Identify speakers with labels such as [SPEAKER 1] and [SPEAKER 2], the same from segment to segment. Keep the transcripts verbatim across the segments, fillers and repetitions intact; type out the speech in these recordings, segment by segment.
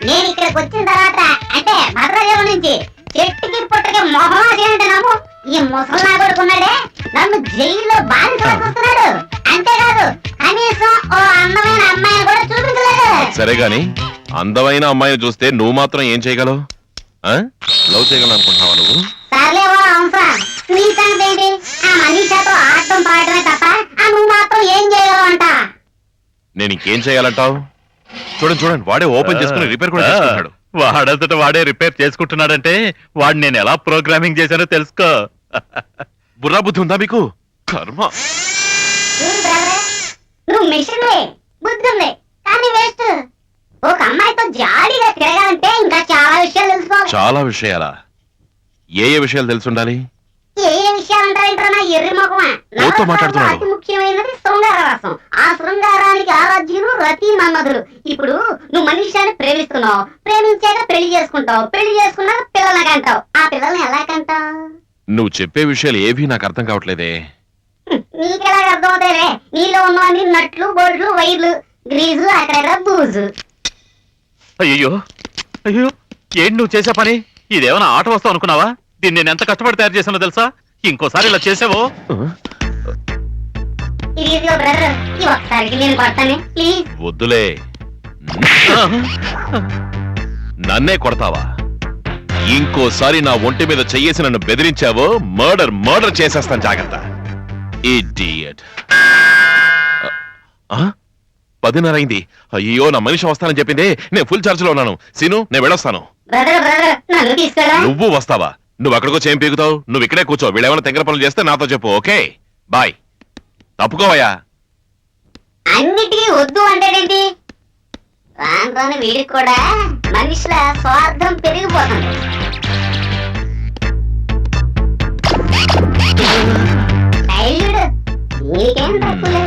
[SPEAKER 1] నేను ఇక్కడికి వచ్చిన తర్వాత అంటే భద్రాచలం నుంచి చెట్టుకి పుట్టకి మొహమాసి అంటున్నాము. ఈ ముసలా కొడుకున్నాడే నన్ను జైల్లో బానిసలా చూస్తున్నాడు. అంతేకాదు కనీసం ఓ అందమైన అమ్మాయిని కూడా చూపించలేదు.
[SPEAKER 2] సరే గాని అందమైన అమ్మాయిని చూస్తే నువ్వు మాత్రం ఏం చేయగలవు? లవ్ చేయగలను అనుకుంటున్నావా నువ్వు?
[SPEAKER 1] సర్లే ఓ అంశం నీ సంగతి ఏంటి? ఆ మనీషాతో ఆడటం పాడటమే తప్ప ఆ నువ్వు మాత్రం ఏం చేయగలవు అంట.
[SPEAKER 2] నేను ఇంకేం చేయాలంటావు? చూడండి చూడండి వాడే ఓపెన్ చేసుకుని రిపేర్ కూడా చేసుకుంటాడు.
[SPEAKER 3] వాడంతట వాడే రిపేర్ చేసుకుంటున్నాడంటే వాడు నేను ఎలా ప్రోగ్రామింగ్ చేశానో తెలుసుకో.
[SPEAKER 2] బుర్రా బుద్ధి ఉందా మీకు? కర్మ.
[SPEAKER 1] నువ్వు మిషన్ బుద్ధి ఉంది కానీ వేస్ట్. ఒక అమ్మాయితో జాలీగా తిరగాలంటే ఇంకా చాలా విషయాలు తెలుసుకోవాలి.
[SPEAKER 2] చాలా విషయాలా? ఏ ఏ విషయాలు తెలుసుండాలి?
[SPEAKER 1] ఏ ఏ విషయాలు అంటారంటారా నా ఎర్రి ముఖమా?
[SPEAKER 2] ఓతో మాట్లాడుతున్నాడు.
[SPEAKER 1] అతి ముఖ్యమైనది శృంగార రసం. ఆ శృంగారానికి ఆరాధ్యులు రతి మన్మధులు. ఇప్పుడు నువ్వు మనిషిని ప్రేమిస్తున్నావు, ప్రేమించాక పెళ్లి చేసుకుంటావు, పెళ్లి చేసుకున్నాక పిల్లల్ని కంటావు. ఆ పిల్లల్ని ఎలా కంటావు?
[SPEAKER 2] నువ్వు చెప్పే విషయాలు ఏవీ నాకు అర్థం కావట్లేదే.
[SPEAKER 1] నీకెలా అర్థం అవుతాయిలే? నీలో ఉన్నవన్నీ నట్లు, బోల్డ్లు, వైర్లు, గ్రీజు, అక్కడక్కడ బూజు.
[SPEAKER 3] అయ్యో అయ్యో ఏంటి నువ్వు చేసే పని? ఇదేమైనా ఆట వస్తావు అనుకున్నావా? దీన్ని నేను ఎంత కష్టపడి తయారు చేసానో తెలుసా? ఇంకోసారి ఇలా చేసావో
[SPEAKER 2] వద్దులే. నన్నే కొడతావా? ఇంకోసారి నా ఒంటి మీద చెయ్యేసి నన్ను బెదిరించావో మర్డర్ మర్డర్ చేసేస్తాను. జాగ్రత్త. ఇడియట్. పదిన్నర అయింది. అయ్యో నా మనిషి వస్తానని చెప్పింది. నేను ఫుల్ ఛార్జ్ లో ఉన్నాను. సీను నేను వెళ్ళొస్తాను. నువ్వు వస్తావా? నువ్వు అక్కడికో చేయం పీకుతావు. నువ్వు ఇక్కడే కూర్చో. వీళ్ళేమైనా తెంగర పనులు చేస్తే నాతో చెప్పు. Okay bye. తప్పుకోవయ్యా.
[SPEAKER 1] అన్నిటికీ వద్దు అంటేంటి? రాను వీడికి కూడా మనిషిల స్వార్థం పెరిగిపోతుంది. నీకేం తప్పులేదు.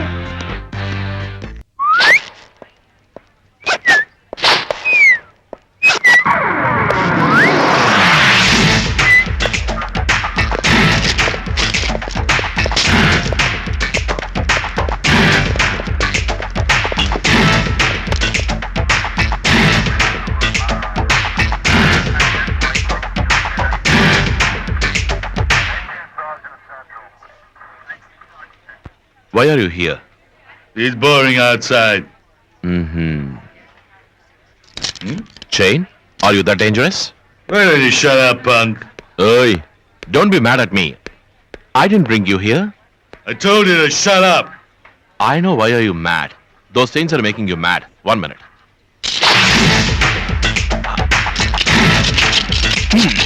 [SPEAKER 2] Why are you here?
[SPEAKER 4] It's boring outside.
[SPEAKER 2] Mm-hmm. Hmm? Chain? Are you that dangerous?
[SPEAKER 4] Why don't you shut up, punk?
[SPEAKER 2] Hey, don't be mad at me. I didn't bring you here.
[SPEAKER 4] I told you to shut up.
[SPEAKER 2] I know why are you mad. Those chains are making you mad. One minute. Hmm.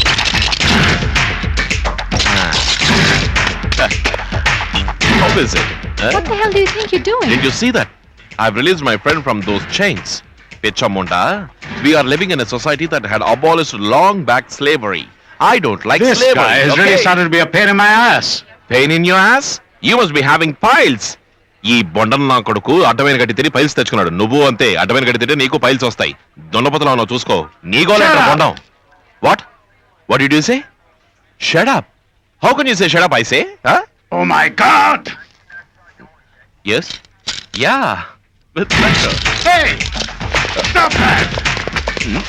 [SPEAKER 2] How is it? Huh?
[SPEAKER 5] What the hell do you think you're doing?
[SPEAKER 2] Did you see that? I've released my friend from those chains. Pichamunda, we are living in a society that had abolished long back slavery. I don't like
[SPEAKER 4] this
[SPEAKER 2] slavery.
[SPEAKER 4] This guy has
[SPEAKER 2] okay?
[SPEAKER 4] really started to be a pain in my ass.
[SPEAKER 2] Pain in your ass? You must be having piles. ఈ బొండం నా కొడుకు అడ్డమైన గట్టి తిరిగి piles తెచ్చుకున్నాడు. నువ్వు అంతే. అడ్డమైన గట్టి తిరిగి నీకు పైల్స్ వస్తాయి. దొండపతలో ఉన్నావు చూసుకో. నీకో లేక బొండం. What? What did you say? Shut up. How can you say shut up, I say? Huh?
[SPEAKER 4] Oh my God!
[SPEAKER 2] Yes? Yeah. With pleasure.
[SPEAKER 4] Hey! Stop that!
[SPEAKER 2] Hmm?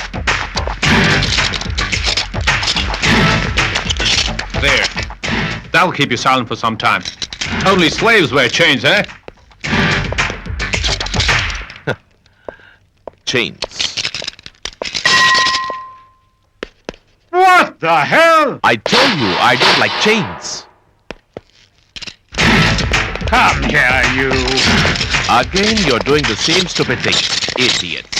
[SPEAKER 4] There. That'll keep you silent for some time. Only slaves wear chains, eh?
[SPEAKER 2] Chains.
[SPEAKER 4] What the hell?
[SPEAKER 2] I tell you, I don't like chains.
[SPEAKER 4] Come here, you.
[SPEAKER 2] Again, you're doing the same stupid thing. Idiots.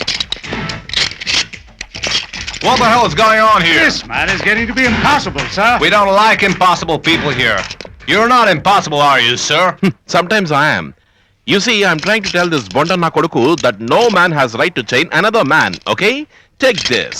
[SPEAKER 4] What the hell is going on here? This man is getting to be impossible, sir. We don't like impossible people here. You're not impossible, are you, sir?
[SPEAKER 2] Sometimes I am. You see, I'm trying to tell this Bonda na koduku that no man has right to chain another man, okay? Take this.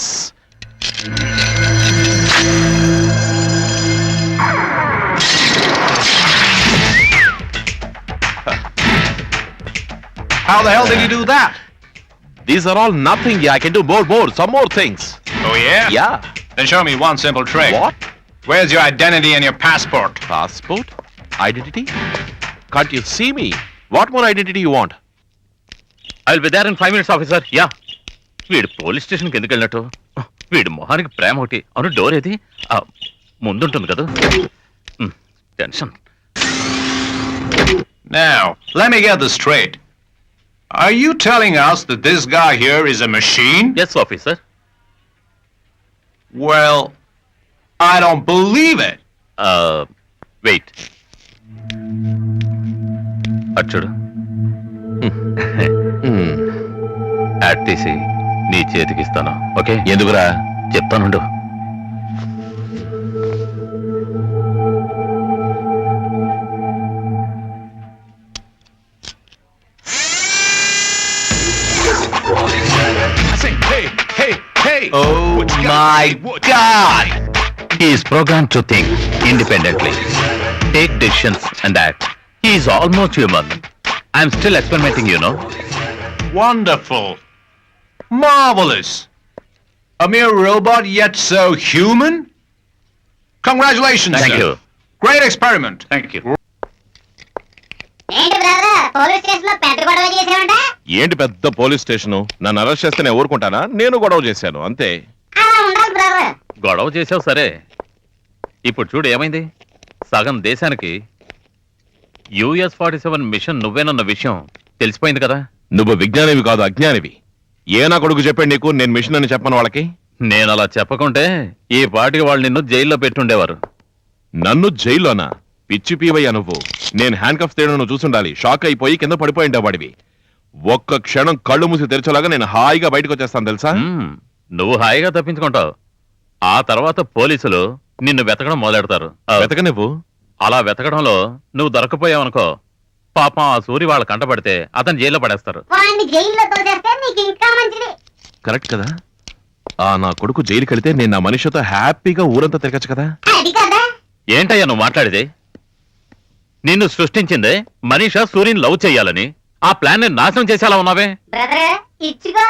[SPEAKER 4] How the hell did you do that?
[SPEAKER 2] These are all nothing. Yeah, I can do more, more, some more things.
[SPEAKER 4] Oh, yeah?
[SPEAKER 2] Yeah.
[SPEAKER 4] Then show me one simple trick.
[SPEAKER 2] What?
[SPEAKER 4] Where's your identity and your passport?
[SPEAKER 2] Passport? Identity? Can't you see me? What more identity you want?
[SPEAKER 3] I'll be there in five minutes, officer. Yeah. వీడు police స్టేషన్కి ఎందుకు వెళ్ళినట్టు? వీడి మొహానికి ప్రేమ ఒకటి. అవును, door ఏది? ఆ, ముందుంటుంది కదా. Um, tension.
[SPEAKER 4] Now, let me get this straight. Are you telling us that this guy here is a machine?
[SPEAKER 3] Yes officer.
[SPEAKER 4] Well, I don't believe it.
[SPEAKER 3] Wait, అచ్చుడు. యాడ్ తీసి నీ చేతికి ఇస్తాను. ఓకే?
[SPEAKER 2] ఎందుకురా?
[SPEAKER 3] చెప్తానుండు.
[SPEAKER 4] I say, hey, hey, hey.
[SPEAKER 3] Oh
[SPEAKER 4] What you got?
[SPEAKER 3] my
[SPEAKER 4] What-
[SPEAKER 3] God! He is programmed to think independently, take decisions and act. He is almost human. I'm still experimenting, you know.
[SPEAKER 4] Wonderful. Marvelous. A mere robot, yet so human? Congratulations,
[SPEAKER 3] Thank
[SPEAKER 4] sir.
[SPEAKER 3] you.
[SPEAKER 4] Great experiment.
[SPEAKER 3] Thank you.
[SPEAKER 1] ఏంటి brother, police station లో పెద్ద గొడవ చేసావంట?
[SPEAKER 2] ఏంటి పెద్ద police station? నన్ను arrest చేస్తే నేను ఊరుకుంటానా? నేను గొడవ చేశాను అంతే.
[SPEAKER 1] అలా ఉండాలి బ్రదర్.
[SPEAKER 3] గొడవ చేసావు సరే, ఇప్పుడు చూడు ఏమైంది. సగం దేశానికి యుఎస్ ఫార్టీ సెవెన్ మిషన్ నువ్వేనన్న విషయం తెలిసిపోయింది కదా.
[SPEAKER 2] నువ్వు విజ్ఞానివి కాదు, అజ్ఞానివి. ఏ నా కొడుకు చెప్పాడు నీకు నేను మిషన్ అని చెప్పను వాళ్ళకి?
[SPEAKER 3] నేను అలా చెప్పకుంటే ఈ పాటికి వాళ్ళు నిన్ను జైల్లో పెట్టుండేవారు.
[SPEAKER 2] నన్ను జైల్లోనా? పిచ్చి పీవయ్యా నువ్వు. నేను హ్యాండ్ కఫ్ తేడా నువ్వు చూసుండాలి. షాక్ అయిపోయి కింద పడిపోయిండే వాడివి. ఒక్క క్షణం కళ్ళు మూసి తెరచలాగా నేను హాయిగా బయటకు వచ్చేస్తాను తెలుసా?
[SPEAKER 3] మ్మ్. నువ్వు హాయిగా తప్పించుకుంటావు. ఆ తర్వాత పోలీసులు నిన్ను వెతకడం మొదలెడతారు.
[SPEAKER 2] వెతక నువ్వు.
[SPEAKER 3] అలా వెతకడంలో నువ్వు దొరకపోయావనుకో, పాపం ఆ సూరి వాళ్ళ కంటపడితే అతను జైల్లో పడేస్తారు.
[SPEAKER 1] వాడిని జైల్లో తోసేస్తే నీకు ఇంకా మంచిది.
[SPEAKER 2] కరెక్ట్ కదా? ఆ నా కొడుకు జైలుకి వెళితే నేను నా మనిషితో హ్యాపీగా ఊరంతా తిరగచ్చు కదా.
[SPEAKER 1] అది కదా.
[SPEAKER 3] ఏంటయ్యా నువ్వు మాట్లాడేది? నిన్ను సృష్టించిందే మనీషా సూర్యుని లవ్ చెయ్యాలని. ఆ ప్లాన్ ని నాశనం చేసేలా ఉన్నావే.
[SPEAKER 1] బ్రదర్ ఇచ్చుకో.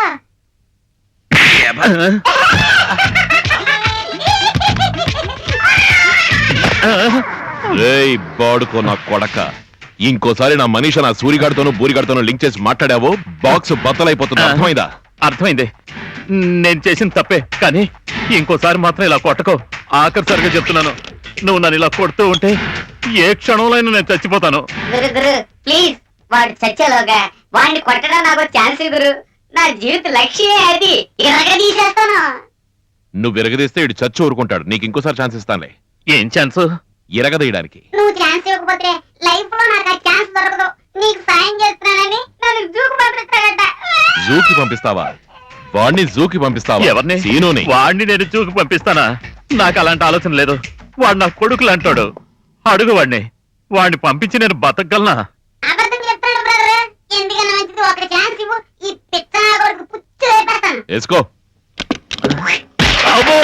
[SPEAKER 2] రేయ్ బాడుకో నా కొడక, ఇంకోసారి నా మనిషి నా సూరిగాడితోనూ బూరిగాడితోనూ లింక్ చేసి మాట్లాడావో బాక్స్ బద్దలైపోతుంది. అర్థమైందా?
[SPEAKER 3] అర్థమైంది. నేను చేసిన తప్పే, కానీ ఇంకోసారి మాత్రం ఇలా కొట్టకో. ఆఖరిసరిగా చెప్తున్నాను, నువ్వు నన్ను ఇలా కొడుతూ ఉంటే ఏ క్షణంలో నేను చచ్చిపోతాను.
[SPEAKER 1] గురు గురు ప్లీజ్, వాడు చచ్చేలోగా వాడిని కొట్టడం నాకు ఛాన్స్ గురు. నా జీవిత లక్ష్యమే అది. ఇరగ తీసేస్తాను.
[SPEAKER 2] నువ్వు విరగదీస్తే ఇటు చచ్చి ఊరుకుంటాడు. నీకు ఇంకోసారి ఛాన్స్ ఇస్తానులే.
[SPEAKER 3] ఏం ఛాన్స్?
[SPEAKER 2] ఇరగదీయడానికి.
[SPEAKER 1] నువ్వు ఛాన్స్ ఇవ్వకపోతే లైఫ్ లో నాకు ఆ ఛాన్స్ దొరకదు. నీకు సాయం చేస్తున్నానని నన్ను జూకు పంపిస్తాడట.
[SPEAKER 2] జూకి పంపిస్తావా? వాడిని జూకి పంపిస్తావా?
[SPEAKER 3] ఎవరిని?
[SPEAKER 2] సీనుని.
[SPEAKER 3] వాడిని నేను చూకి పంపిస్తానా? నాకు అలాంటి ఆలోచన లేదు. వాడు నా కొడుకులు అంటాడు. అడుగు వాడిని. వాడిని పంపించి నేను బతకగలనా?
[SPEAKER 1] అబద్ధం చెప్తాడు బ్రదర్. ఎందుకన్నా మంచిది ఒక ఛాన్స్ ఇవ్వు. ఈ పిచ్చ నా కొడుకు పుచ్చు వేపేస్తాను.
[SPEAKER 2] వేసుకో.
[SPEAKER 3] అబ్బో!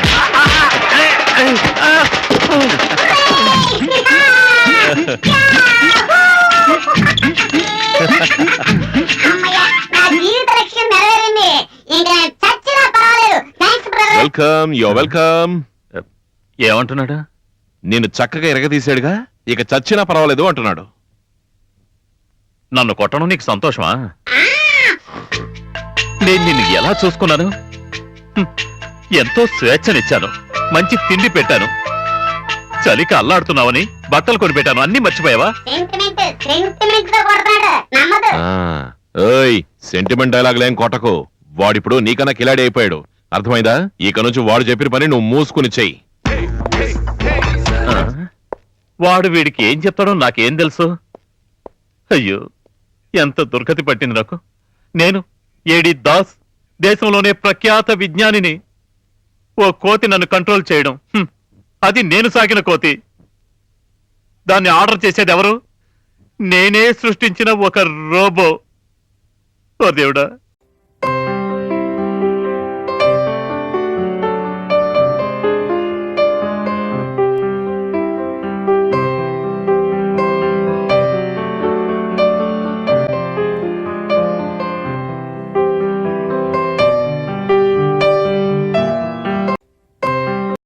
[SPEAKER 1] అమ్మయ్య, నా జీవిత లక్ష్యం నెరవేరింది. ఇంకా నేను చచ్చినా పర్వాలేదు. Thanks brother.
[SPEAKER 2] Welcome, yo welcome.
[SPEAKER 3] ఏమంటున్నాడు?
[SPEAKER 2] నేను చక్కగా ఇరగదీశాడుగా, ఇక చచ్చినా పర్వాలేదు అంటున్నాడు.
[SPEAKER 3] నన్ను కొట్టడం నీకు సంతోషమా? నేను నిన్ను ఎలా చూసుకున్నాను? హ్మ్. ఎంతో స్వేచ్ఛనిచ్చాను, మంచి తిండి పెట్టాను, చలికి అల్లాడుతున్నావని బట్టలు కొనిపెట్టాను. అన్ని మర్చిపోయావా?
[SPEAKER 1] సెంటిమెంట్ సెంటిమెంట్ తో కొడతాడు. నమ్మదు.
[SPEAKER 2] ఆ, ఓయ్ సెంటిమెంట్ డైలాగులేం కొట్టకు. వాడిప్పుడు నీకన్నా కిలాడి అయిపోయాడు. అర్థమైందా? ఇక నుంచి వాడు చెప్పిన పని నువ్వు మూసుకుని చెయ్యి.
[SPEAKER 3] ఆ? వాడు వీడికి ఏం చెప్తాడో నాకేం తెలుసు? అయ్యో, ఎంత దుర్గతి పట్టింది నాకు. నేను ఏడి దాస్, దేశంలోనే ప్రఖ్యాత విజ్ఞానిని. ఓ కోతి నన్ను కంట్రోల్ చేయడం, హ్మ్. అది నేను సాగిన కోతి. దాన్ని ఆర్డర్ చేసేది ఎవరు? నేనే సృష్టించిన ఒక రోబో. ఓ దేవుడా,